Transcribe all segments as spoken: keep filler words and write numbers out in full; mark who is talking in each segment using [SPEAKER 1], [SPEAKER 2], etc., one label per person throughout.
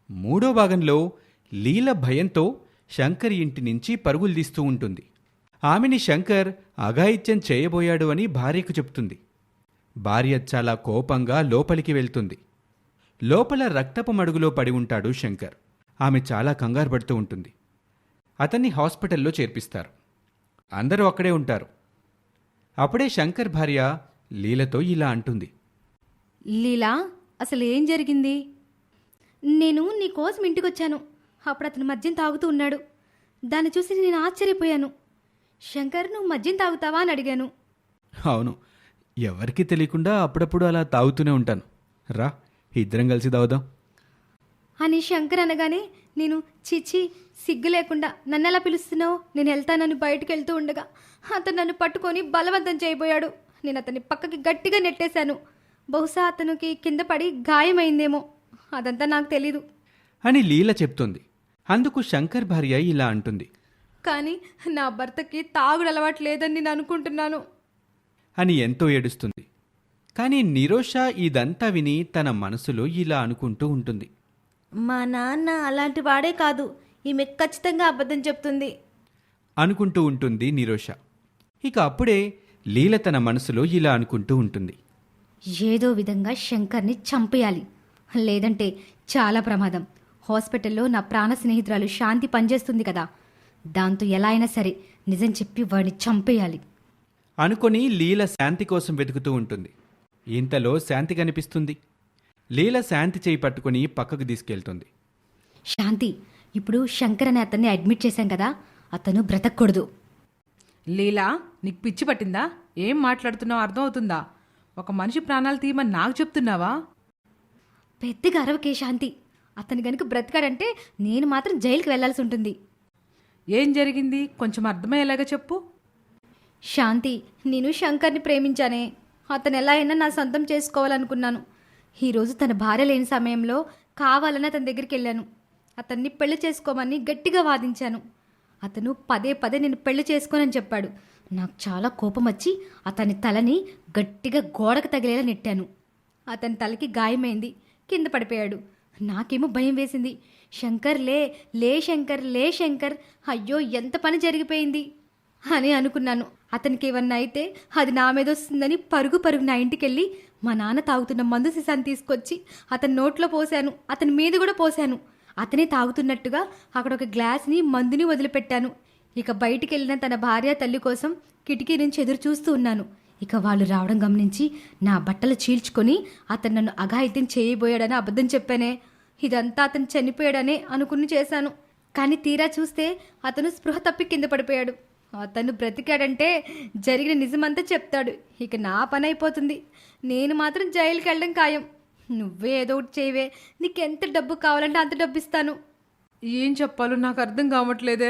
[SPEAKER 1] మూడో భాగంలో లీల భయంతో శంకర్ ఇంటి నుంచి పరుగులు తీస్తూ ఉంటుంది. ఆమెని శంకర్ అఘాయిత్యం చేయబోయాడు అని భార్యకు చెప్తుంది. భార్య చాలా కోపంగా లోపలికి వెళ్తుంది. లోపల రక్తపు మడుగులో పడి ఉంటాడు శంకర్. ఆమె చాలా కంగారు పడుతూ ఉంటుంది. అతన్ని హాస్పిటల్లో చేర్పిస్తారు. అందరూ అక్కడే ఉంటారు. అప్పుడే శంకర్ భార్య లీలతో ఇలా అంటుంది.
[SPEAKER 2] లీలా, అసలు ఏం జరిగింది? నేను నీ కోసం ఇంటికొచ్చాను. అప్పుడు అతను మద్యం తాగుతూ ఉన్నాడు. దాన్ని చూసి నేను ఆశ్చర్యపోయాను. శంకర్, నువ్వు మద్యం తాగుతావా అని అడిగాను.
[SPEAKER 1] అవును, ఎవరికీ తెలియకుండా అప్పుడప్పుడు అలా తాగుతూనే ఉంటాను. రా, ఇద్దరం కలిసి తాగుదాం
[SPEAKER 2] అని శంకర్ అనగానే నేను చిచి సిగ్గు లేకుండా నన్ను ఎలా పిలుస్తున్నావు, నేను వెళ్తానని బయటకు వెళ్తూ ఉండగా అతను నన్ను పట్టుకొని బలవంతం చేయబోయాడు. నేను అతన్ని పక్కకి గట్టిగా నెట్టేశాను. బహుశా అతనికి కింద పడి గాయమైందేమో, అదంతా నాకు తెలీదు
[SPEAKER 1] అని లీల చెప్తుంది. అందుకు శంకర్ భార్య ఇలా అంటుంది.
[SPEAKER 2] కానీ నా భర్తకి తాగుడు అలవాటు లేదని నేను అనుకుంటున్నాను
[SPEAKER 1] అని ఎంతో ఏడుస్తుంది. కానీ నిరోష ఇదంతా విని తన మనసులో ఇలా అనుకుంటూ ఉంటుంది.
[SPEAKER 2] మా నాన్న అలాంటి వాడే కాదు, ఈమె ఖచ్చితంగా అబద్ధం చెప్తుంది
[SPEAKER 1] అనుకుంటూ ఉంటుంది నిరోష. ఇక అప్పుడే లీల తన మనసులో ఇలా అనుకుంటూ ఉంటుంది.
[SPEAKER 2] ఏదో విధంగా శంకర్ని చంపేయాలి, లేదంటే చాలా ప్రమాదం. హాస్పిటల్లో నా ప్రాణ స్నేహితురాలు శాంతి పనిచేస్తుంది కదా, దాంతో ఎలా అయినా సరే నిజం చెప్పి వాడిని చంపేయాలి
[SPEAKER 1] అనుకొని లీల శాంతి కోసం వెతుకుతూ ఉంటుంది. ఇంతలో శాంతి కనిపిస్తుంది. లీల శాంతి చేయి పట్టుకుని పక్కకు తీసుకెళ్తుంది.
[SPEAKER 2] శాంతి, ఇప్పుడు శంకర్ అనే అతన్ని అడ్మిట్ చేశాం కదా, అతను బ్రతకూడదు.
[SPEAKER 3] లీలా, నీకు పిచ్చి పట్టిందా? ఏం మాట్లాడుతున్నావు అర్థం అవుతుందా? ఒక మనిషి ప్రాణాలు తీయమని నాకు చెప్తున్నావా?
[SPEAKER 2] పెద్దగా అరవకే శాంతి. అతను గనుక బ్రతకాడంటే నేను మాత్రం జైలుకి వెళ్లాల్సి ఉంటుంది.
[SPEAKER 3] ఏం జరిగింది కొంచెం అర్థమయ్యేలాగా చెప్పు.
[SPEAKER 2] శాంతి, నేను శంకర్ని ప్రేమించానే. అతను ఎలా అయినా నా సొంతం చేసుకోవాలనుకున్నాను. ఈరోజు తన భార్య లేని సమయంలో కావాలని అతని దగ్గరికి వెళ్ళాను. అతన్ని పెళ్లి చేసుకోమని గట్టిగా వాదించాను. అతను పదే పదే నేను పెళ్లి చేసుకోనని చెప్పాడు. నాకు చాలా కోపం వచ్చి అతని తలని గట్టిగా గోడకు తగిలేలా నెట్టాను. అతని తలకి గాయమైంది, కింద పడిపోయాడు. నాకేమో భయం వేసింది. శంకర్ లే లే శంకర్ లే శంకర్, అయ్యో ఎంత పని జరిగిపోయింది అని అనుకున్నాను. అతనికి ఏమన్నా అయితే అది నా మీద వస్తుందని పరుగు పరుగు నా ఇంటికి వెళ్ళి మా నాన్న తాగుతున్న మందు సీసాన్ని తీసుకొచ్చి అతని నోట్లో పోశాను, అతని మీద కూడా పోశాను. అతనే తాగుతున్నట్టుగా అక్కడ ఒక గ్లాస్ని మందుని వదిలిపెట్టాను. ఇక బయటికి వెళ్ళిన తన భార్య తల్లి కోసం కిటికీ నుంచి ఎదురు చూస్తూ ఉన్నాను. ఇక వాళ్ళు రావడం గమనించి నా బట్టలు చీల్చుకొని అతను నన్ను అఘాయిత్యం చేయబోయాడని అబద్ధం చెప్పానే. ఇదంతా అతను చనిపోయాడనే అనుకుని చేశాను. కానీ తీరా చూస్తే అతను స్పృహ తప్పి కింద పడిపోయాడు. అతను బ్రతికాడంటే జరిగిన నిజమంతా చెప్తాడు. ఇక నా పని అయిపోతుంది. నేను మాత్రం జైలుకి వెళ్ళడం ఖాయం. నువ్వే ఏదో ఒకటి చేయవే, నీకెంత డబ్బు కావాలంటే అంత డబ్బు ఇస్తాను.
[SPEAKER 3] ఏం చెప్పాలో నాకు అర్థం కావట్లేదే.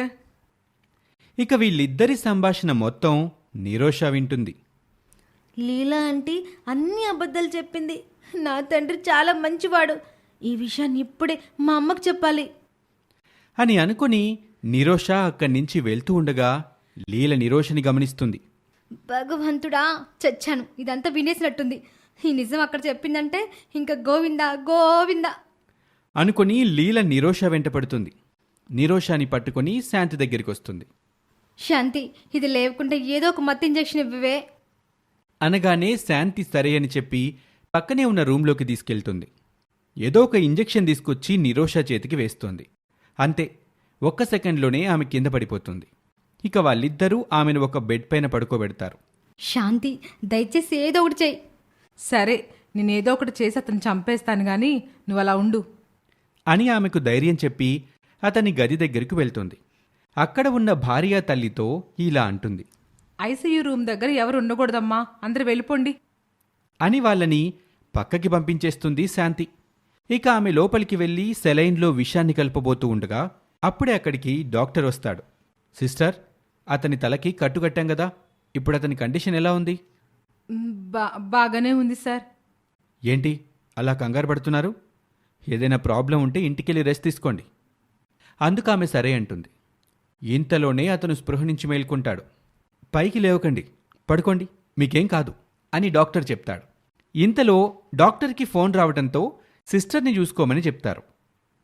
[SPEAKER 1] ఇక వీళ్ళిద్దరి సంభాషణ మొత్తం నిరోష వింటుంది.
[SPEAKER 2] లీలా ఆంటీ అన్ని అబద్ధాలు చెప్పింది. నా తండ్రి చాలా మంచివాడు. ఈ విషయాన్ని ఇప్పుడే మా అమ్మకు చెప్పాలి
[SPEAKER 1] అని అనుకుని నిరోష అక్కడి నుంచి వెళ్తూ ఉండగా లీల నిరోషని గమనిస్తుంది.
[SPEAKER 2] భగవంతుడా, చచ్చాను. ఇదంతా వినేసినట్టుంది. ఈ నిజం అక్కడ చెప్పిందంటే ఇంకా గోవిందా గోవిందా
[SPEAKER 1] అనుకుని లీల నిరోష వెంట పడుతుంది. నిరోషాని పట్టుకుని శాంతి దగ్గరికి వస్తుంది.
[SPEAKER 2] శాంతి, ఇది లేకుండా ఏదో ఒక మత్తు ఇంజెక్షన్ ఇవ్వవే
[SPEAKER 1] అనగానే శాంతి సరే అని చెప్పి పక్కనే ఉన్న రూంలోకి తీసుకెళ్తుంది. ఏదో ఒక ఇంజెక్షన్ తీసుకొచ్చి నిరోష చేతికి వేస్తోంది. అంతే, ఒక్క సెకండ్లోనే ఆమె కింద పడిపోతుంది. ఇక వాళ్ళిద్దరూ ఆమెను ఒక బెడ్ పైన పడుకోబెడతారు.
[SPEAKER 2] శాంతి, దయచేసి ఏదో ఒకటి చెయ్యి.
[SPEAKER 3] సరే, నేనేదో ఒకటి చేసి అతను చంపేస్తాను గాని నువ్వు అలా ఉండు
[SPEAKER 1] అని ఆమెకు ధైర్యం చెప్పి అతని గది దగ్గరకు వెళ్తుంది. అక్కడ ఉన్న భార్య తల్లితో ఇలా అంటుంది.
[SPEAKER 3] ఐసీయూ రూమ్ దగ్గర ఎవరు ఉండకూడదమ్మా, అందరు వెళ్ళిపోండి
[SPEAKER 1] అని వాళ్ళని పక్కకి పంపించేస్తుంది శాంతి. ఇక ఆమె లోపలికి వెళ్ళి సెలైన్లో విషాన్ని కలపబోతూ ఉండగా అప్పుడే అక్కడికి డాక్టర్ వస్తాడు. సిస్టర్, అతని తలకి కట్టుకట్టాం కదా, ఇప్పుడు అతని కండిషన్ ఎలా ఉంది?
[SPEAKER 3] బా బాగానే ఉంది సార్.
[SPEAKER 1] ఏంటి అలా కంగారు పడుతున్నారు? ఏదైనా ప్రాబ్లం ఉంటే ఇంటికెళ్ళి రెస్ట్ తీసుకోండి. అందుకు ఆమె సరే అంటుంది. ఇంతలోనే అతను స్పృహ నుంచి మేల్కొంటాడు. పైకి లేవకండి, పడుకోండి, మీకేం కాదు అని డాక్టర్ చెప్తాడు. ఇంతలో డాక్టర్కి ఫోన్ రావడంతో సిస్టర్ని చూసుకోమని చెప్తారు.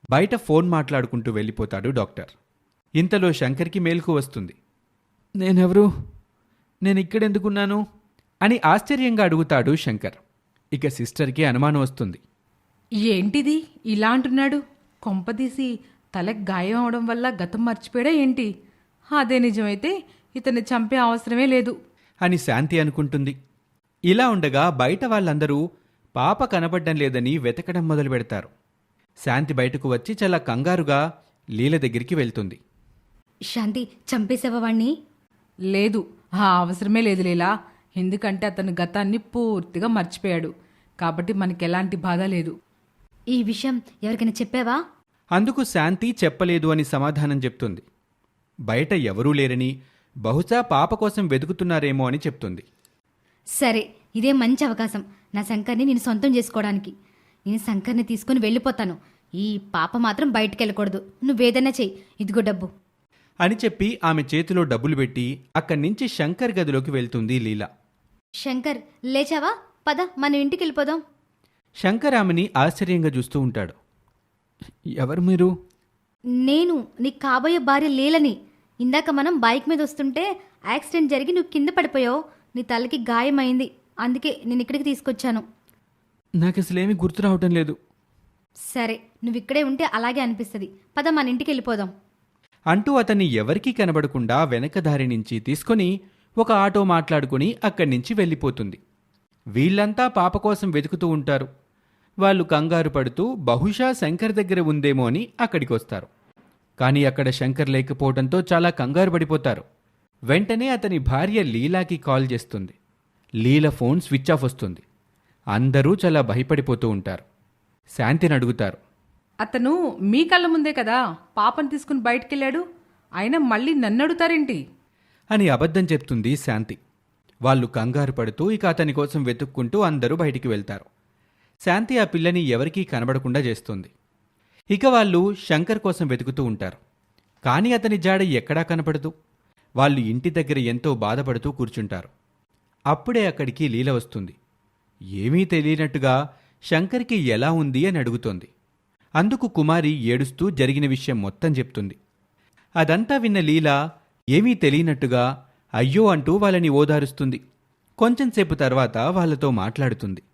[SPEAKER 1] బయట ఫోన్ మాట్లాడుకుంటూ వెళ్ళిపోతాడు డాక్టర్. ఇంతలో శంకర్కి మేలుకు వస్తుంది. నేనెవరు? నేను ఇక్కడెందుకున్నాను అని ఆశ్చర్యంగా అడుగుతాడు శంకర్. ఇక సిస్టర్కి అనుమానం వస్తుంది.
[SPEAKER 3] ఏంటిది ఇలా అంటున్నాడు? కొంపదీసి తలకు గాయం అవడం వల్ల గతం మర్చిపోయాడా ఏంటి? అదే నిజమైతే ఇతన్ని చంపే అవసరమే లేదు
[SPEAKER 1] అని శాంతి అనుకుంటుంది. ఇలా ఉండగా బయట వాళ్ళందరూ పాప కనబడ్డం లేదని వెతకడం మొదలు పెడతారు. శాంతి బయటకు వచ్చి చాలా కంగారుగా లీల దగ్గరికి వెళ్తుంది.
[SPEAKER 2] శాంతి, చంపేసావా వాణ్ణి?
[SPEAKER 3] లేదు, ఆ అవసరమే లేదు లీలా. ఎందుకంటే అతను గతాన్ని పూర్తిగా మర్చిపోయాడు కాబట్టి మనకెలాంటి బాధ లేదు.
[SPEAKER 2] ఈ విషయం ఎవరికైనా చెప్పావా?
[SPEAKER 1] అందుకు శాంతి చెప్పలేదు అని సమాధానం చెప్తుంది. బయట ఎవరూ లేరని, బహుశా పాప కోసం వెతుకుతున్నారేమో అని చెప్తుంది.
[SPEAKER 2] సరే, ఇదే మంచి అవకాశం నా శంకర్ని నేను సొంతం చేసుకోవడానికి. నేను శంకర్ని తీసుకుని వెళ్ళిపోతాను. ఈ పాప మాత్రం బయటికి వెళ్ళకూడదు. నువ్వేదన్నా చెయ్యి, ఇదిగో డబ్బు
[SPEAKER 1] అని చెప్పి ఆమె చేతిలో డబ్బులు పెట్టి అక్కడి నుంచి శంకర్ గదిలోకి వెళ్తుంది లీల.
[SPEAKER 2] శంకర్, లేచావా? పద, మనం ఇంటికి వెళ్ళిపోదాం.
[SPEAKER 1] శంకర్ ఆమెని ఆశ్చర్యంగా చూస్తూ ఉంటాడు. ఎవరు మీరు?
[SPEAKER 2] నేను నీకు కాబోయే భార్య లీలని. ఇందాక మనం బైక్ మీద వస్తుంటే యాక్సిడెంట్ జరిగి నువ్వు కింద పడిపోయావు. నీ తలకి గాయమైంది, అందుకే నేను ఇక్కడికి తీసుకొచ్చాను.
[SPEAKER 1] నాకు అసలేమీ గుర్తు రావటం లేదు.
[SPEAKER 2] సరే, నువ్వు ఇక్కడే ఉంటే అలాగే అనిపిస్తుంది. పద, మన ఇంటికి వెళ్ళిపోదాం
[SPEAKER 1] అంటూ అతన్ని ఎవరికీ కనబడకుండా వెనక దారి నుంచి తీసుకొని ఒక ఆటో మాట్లాడుకుని అక్కడి నుంచి వెళ్ళిపోతుంది. వీళ్ళంతా పాప కోసం వెతుకుతూ ఉంటారు. వాళ్ళు కంగారు పడుతూ బహుశా శంకర్ దగ్గర ఉందేమో అని అక్కడికి వస్తారు. కానీ అక్కడ శంకర్ లేకపోవడంతో చాలా కంగారు పడిపోతారు. వెంటనే అతని భార్య లీలాకి కాల్ చేస్తుంది. లీల ఫోన్ స్విచ్ ఆఫ్ వస్తుంది. అందరూ చాలా భయపడిపోతూ ఉంటారు. శాంతిని అడుగుతారు.
[SPEAKER 3] అతను మీ కళ్ళ ముందే కదా పాపను తీసుకుని బయటికెళ్ళాడు, అయినా మళ్ళీ నన్ను అడుగుతారేంటి
[SPEAKER 1] అని అబద్ధం చెప్తుంది శాంతి. వాళ్ళు కంగారు పడుతూ ఇక అతని కోసం వెతుక్కుంటూ అందరూ బయటికి వెళ్తారు. శాంతి ఆ పిల్లని ఎవరికీ కనబడకుండా చేస్తుంది. ఇక వాళ్ళు శంకర్ కోసం వెతుకుతూ ఉంటారు. కానీ అతని జాడ ఎక్కడా కనపడదు. వాళ్ళు ఇంటి దగ్గర ఎంతో బాధపడుతూ కూర్చుంటారు. అప్పుడే అక్కడికి లీల వస్తుంది. ఏమీ తెలియనట్టుగా శంకర్కి ఎలా ఉంది అని అడుగుతోంది. అందుకు కుమారి ఏడుస్తూ జరిగిన విషయం మొత్తం చెప్తుంది. అదంతా విన్న లీల ఏమీ తెలియనట్టుగా అయ్యో అంటూ వాళ్ళని ఓదారుస్తుంది. కొంచెంసేపు తర్వాత వాళ్ళతో మాట్లాడుతుంది.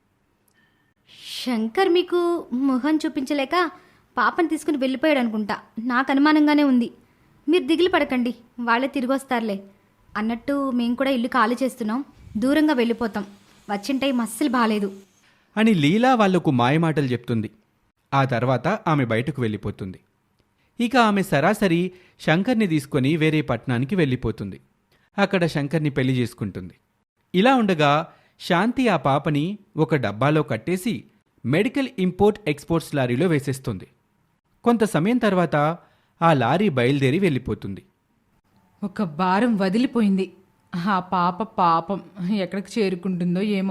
[SPEAKER 2] శంకర్ మీకు మొహం చూపించలేక పాపని తీసుకుని వెళ్ళిపోయాడు అనుకుంటా. నాకు అనుమానంగానే ఉంది. మీరు దిగులు పడకండి, వాళ్ళే తిరిగి వస్తారులే. అన్నట్టు మేము కూడా ఇల్లు ఖాళీ చేస్తున్నాం, దూరంగా వెళ్ళిపోతాం. వచ్చిన టైం అస్సలు బాలేదు
[SPEAKER 1] అని లీలా వాళ్లకు మాయమాటలు చెప్తుంది. ఆ తర్వాత ఆమె బయటకు వెళ్ళిపోతుంది. ఇక ఆమె సరాసరి శంకర్ని తీసుకొని వేరే పట్టణానికి వెళ్ళిపోతుంది. అక్కడ శంకర్ని పెళ్లి చేసుకుంటుంది. ఇలా ఉండగా శాంతి ఆ పాపని ఒక డబ్బాలో కట్టేసి మెడికల్ ఇంపోర్ట్ ఎక్స్పోర్ట్స్ లారీలో వేసేస్తుంది. కొంత సమయం తర్వాత ఆ లారీ బయలుదేరి వెళ్ళిపోతుంది.
[SPEAKER 3] ఒక భారం వదిలిపోయింది. ఆ పాప పాపం ఎక్కడికి చేరుకుంటుందో ఏమో.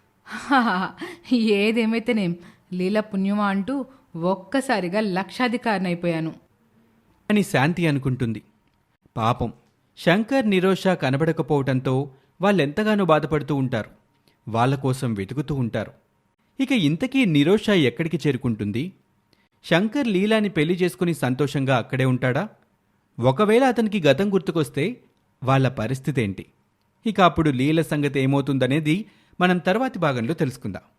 [SPEAKER 3] ఏదేమైతేనేం లీల పుణ్యమా అంటూ ఒక్కసారిగా లక్షాధికారినైపోయాను
[SPEAKER 1] అని శాంతి అనుకుంటుంది. పాపం శంకర్, నిరోష కనబడకపోవటంతో వాళ్ళెంతగానో బాధపడుతూ ఉంటారు. వాళ్ళ కోసం వెతుకుతూ ఉంటారు. ఇక ఇంతకీ నిరోష ఎక్కడికి చేరుకుంటుంది? శంకర్ లీలాని పెళ్లి చేసుకుని సంతోషంగా అక్కడే ఉంటాడా? ఒకవేళ అతనికి గతం గుర్తుకొస్తే వాళ్ళ పరిస్థితి ఏంటి? ఇక అప్పుడు లీల సంగతి ఏమవుతుందనేది మనం తర్వాతి భాగంలో తెలుసుకుందాం.